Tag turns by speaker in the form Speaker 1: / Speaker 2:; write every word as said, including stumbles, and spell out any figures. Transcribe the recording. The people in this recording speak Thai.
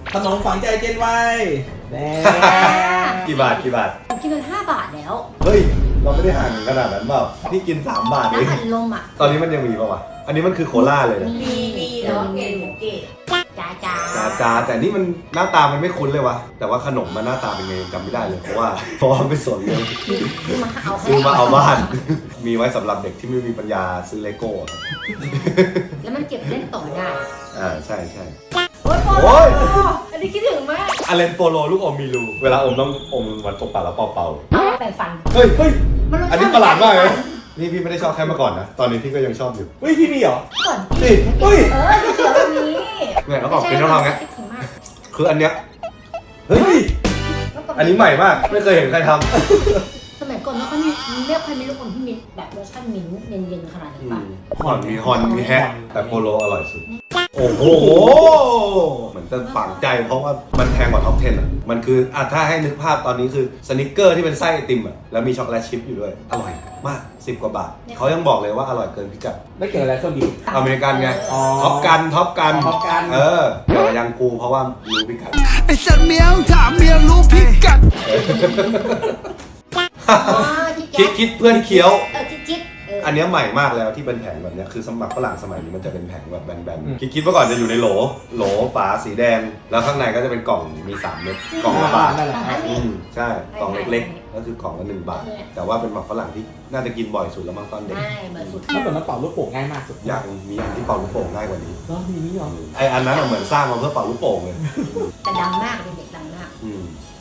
Speaker 1: ขนมฝังใจเจนไว้แน่
Speaker 2: กี่บาทกี่บาท
Speaker 3: กินไปห้าบาทแล้ว
Speaker 2: เฮ้ยเราไม่ได้ห่างขนาดนั้นเปล่านี่กินสามบาทเอง
Speaker 3: น้ำอัดลมอ่ะ
Speaker 2: ตอนนี้มันยังมีป่าวะอันนี้มันคือโคล่าเลยนะ
Speaker 3: มีมีแต่ว่าเกล็ดของเกล็ดจ้าจ้า
Speaker 2: จ้าจ้าแต่นี่มันหน้าตามันไม่คุ้นเลยวะแต่ว่าขนมมันหน้าตาเป็นไงจำไม่ได้เลยเพราะว่าเพราะว่าไม่สนเลย
Speaker 3: ซื้อมาเอา
Speaker 2: ซื้อมาเอาบ้าน มีไว้สำหรับเด็กที่ไม่มีปัญญาซื้อเลโก้ครับ
Speaker 3: แล้วมันเก็บเล่นต่อได้
Speaker 2: อ่าใช่ใช่
Speaker 3: โอ้ยโป
Speaker 2: โอ้ย
Speaker 3: อันนี้คิดถึงมาก
Speaker 2: อเลนโปโลลูกอมมีรูเวลาอมต้องอมมันตบปากแล้วเป่า
Speaker 3: แปรงฟัน
Speaker 2: ๆเฮ้ยเฮ้ย
Speaker 3: มันรสชติ
Speaker 2: อันนี้ประหลาดมากเลยนี่พี่ไม่ได้ชอบแค่เมื่อก่อนนะตอนนี้พี่ก็ยังชอบอยู่
Speaker 1: เฮ้ยพี่มีเหรอ
Speaker 3: ก่อน
Speaker 2: นี่เฮ้ย
Speaker 3: เออเดี๋ยวแบบนี้
Speaker 2: เนี่ยแล้วบอกกินต้องทำไง
Speaker 3: คิดถึงมาก
Speaker 2: คืออันเนี้ยเฮ้ยอันนี้ใหม่มากไม่เคยเห็นใครทำ
Speaker 3: สมัยก่อนไม่ค่อยมีไม่ค่อยมีลูกอมที่มีแบบรสชาติมิ้นท์เย็นๆขนาดนี้ป่ะ
Speaker 2: ฮอนมีฮอนมีแฮะแต่โปโลอร่อยสุดโอ้โหเหมือนจะฝังใจเพราะว่ามันแพงกว่าท็อปสิบอ่ะมันคืออ่ะถ้าให้นึกภาพตอนนี้คือสนิกเกอร์ที่เป็นไส้ไอติมอ่ะแล้วมีช็อกโกแลตชิพอยู่ด้วยอร่อยมากสิบกว่าบาทเขายังบอกเลยว่าอร่อยเกินพิกัด
Speaker 1: ไม่เกี่ยวอะไรเครื่องบิน
Speaker 2: อเมริกันไง
Speaker 1: อ๋อ
Speaker 2: ท็อปกันท็อปกัน
Speaker 1: ท็อปกัน
Speaker 2: เออเดี๋ยวยังกูเพราะว่ารู้พิกัด
Speaker 4: ไอ้สัตว์เมียงถามเมียรู้พิกัด
Speaker 3: อ๋อที่
Speaker 2: คิดคิดเพื่อนเคี้ยว
Speaker 3: เออคิดคิดเออ
Speaker 2: อันเนี้ยใหม่มากแล้วที่เป็นแผงแบบเนี้ยคือสำหรับฝรั่งสมัยนี้มันจะเป็นแผงแบบแบนๆคิดคิดว่าก่อนจะอยู่ในโหลโหลฝาสีแดงแล้วข้างในก็จะเป็นกล่องมีสามเม็ดกล่องละบาท
Speaker 1: นั่นแหละ
Speaker 2: อืมใช่กล่องเล็กๆก็คือกล่องละหนึ่งบาท แต่ว่าเป็นหมักฝรั่งที่น่าจะกินบ่อยสุดแล้วมั้งตอนเด็ก
Speaker 3: ใช่เหมือนสุด
Speaker 1: เมื่อก่อนมันเป่าลูกโป่งง่ายมากสุด
Speaker 2: อยากมีอันที่เป่าลูกโป่งง่ายกว่านี้
Speaker 1: แล้วมีนี่เหรอ
Speaker 2: ไออันนั้นอะเหมือนสร้างมาเพื่อเป่าลูกโป่งเลย
Speaker 3: แต่ดังมากเลยเด็ก